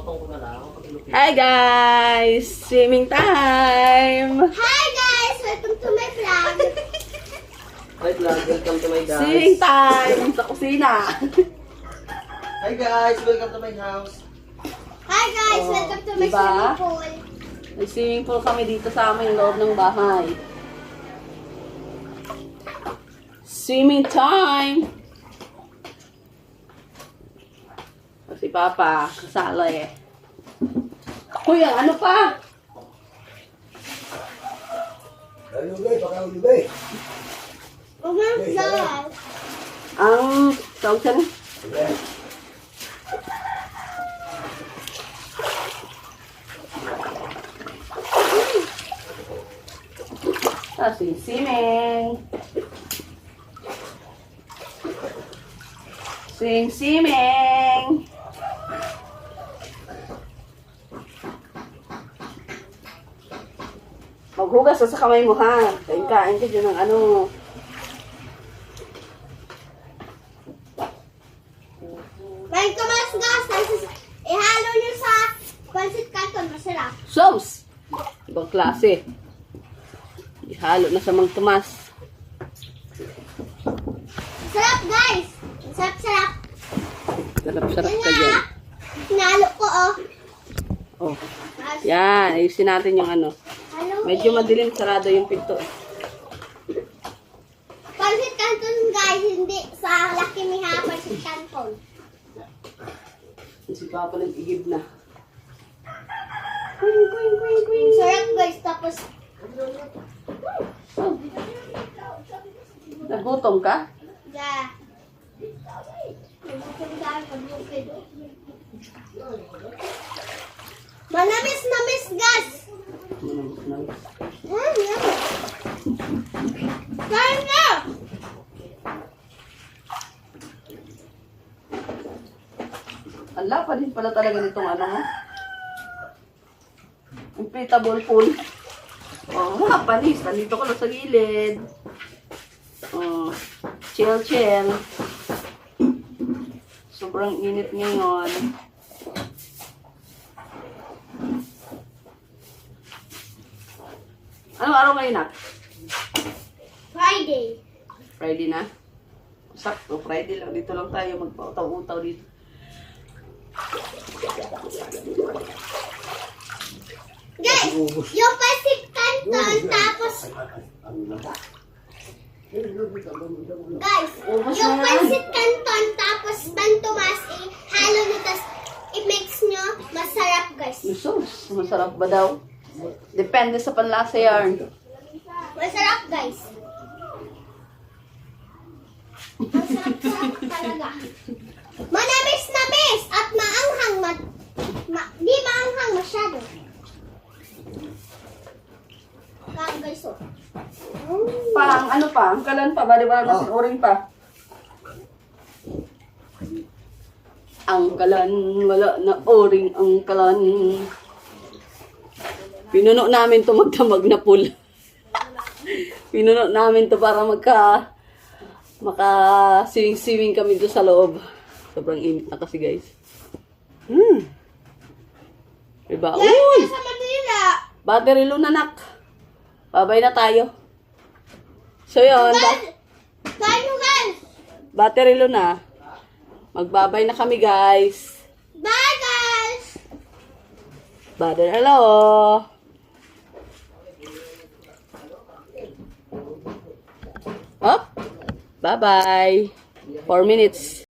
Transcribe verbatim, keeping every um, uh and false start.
Papapotong ko na lang. Hi guys! Swimming time! Hi guys! Welcome to my vlog. Hi vlog, welcome to my guys. Swimming time! Sa kusina! Hi guys, welcome to my house. Hi guys! Oh, Welcome to my diba? swimming pool. May swimming pool kami dito sa aming loob ng bahay. Swimming time! Si Papa, kasala eh. Kuya, ano pa? Ano ba? Baka ulo ba eh? Uh-huh, guys. Ang tawag siya na? Ah, sing-siming. Sing-siming. Maghugas ka sa kamay mo ha. Kain-kain ka dyan ng ano. Kain ka mas gas. Ihalo nyo sa pancit canton. Masarap. Sauce! Ibang klase. Ihalo na sa Mang Tomas. Sarap guys. Sarap-sarap. Sarap-sarap ka dyan. Hinalo ko oh. Oh. Yan, ayusin natin yung ano. Halo Medyo eh. madilim, sarado yung pinto. Pancit canton guys. Hindi sa Lucky Miha pancit canton. Si Papa nag-igib na. Queen, queen, queen, queen. Sarap guys. Tapos Oh. Nagutom ka? yeah. Pag-bukid. Manamis na miss gas. Hmm, yeah. Kain na! Ala pa din pala talaga nitong ano mo. Inflatable pool. Oh, mga panis. Nandito ko lang sa gilid. Oh, chill, chill. Sobrang init ngayon. Anong araw ngayon, Nak? Friday. Friday na? Sakto, Friday lang. Dito lang tayo magpautaw-utaw dito. Guys, yung pancit canton tapos guys, Ubus yung na yan. pancit canton tapos bantumas eh, halo nyo tas i-mix nyo, masarap guys. Sus, masarap ba daw? Depende sa panlasa yarn. Masarap guys. Masarap-sarap talaga. Manamis-namis at maanghang. Ma, ma, di maanghang masyado. Kaya guys oh. Mm. Pang ano pa? Ang kalan pa ba? Di ba nasa uring pa? Ang kalan, wala na uring ang kalan. Pinuno namin to magdamag na pool. Pinuno namin to para magka maka swimming-swimming kami doon sa loob. Sobrang init na kasi guys. Hmm. Diba? Yan, Uy! sa Manila. Battery low na nak. Babay na tayo. So yun. Ba- Guys, kain nyo guys. battery low na. Magbabay na kami guys. Bye guys. Battery hello. Up. Bye bye. Four minutes.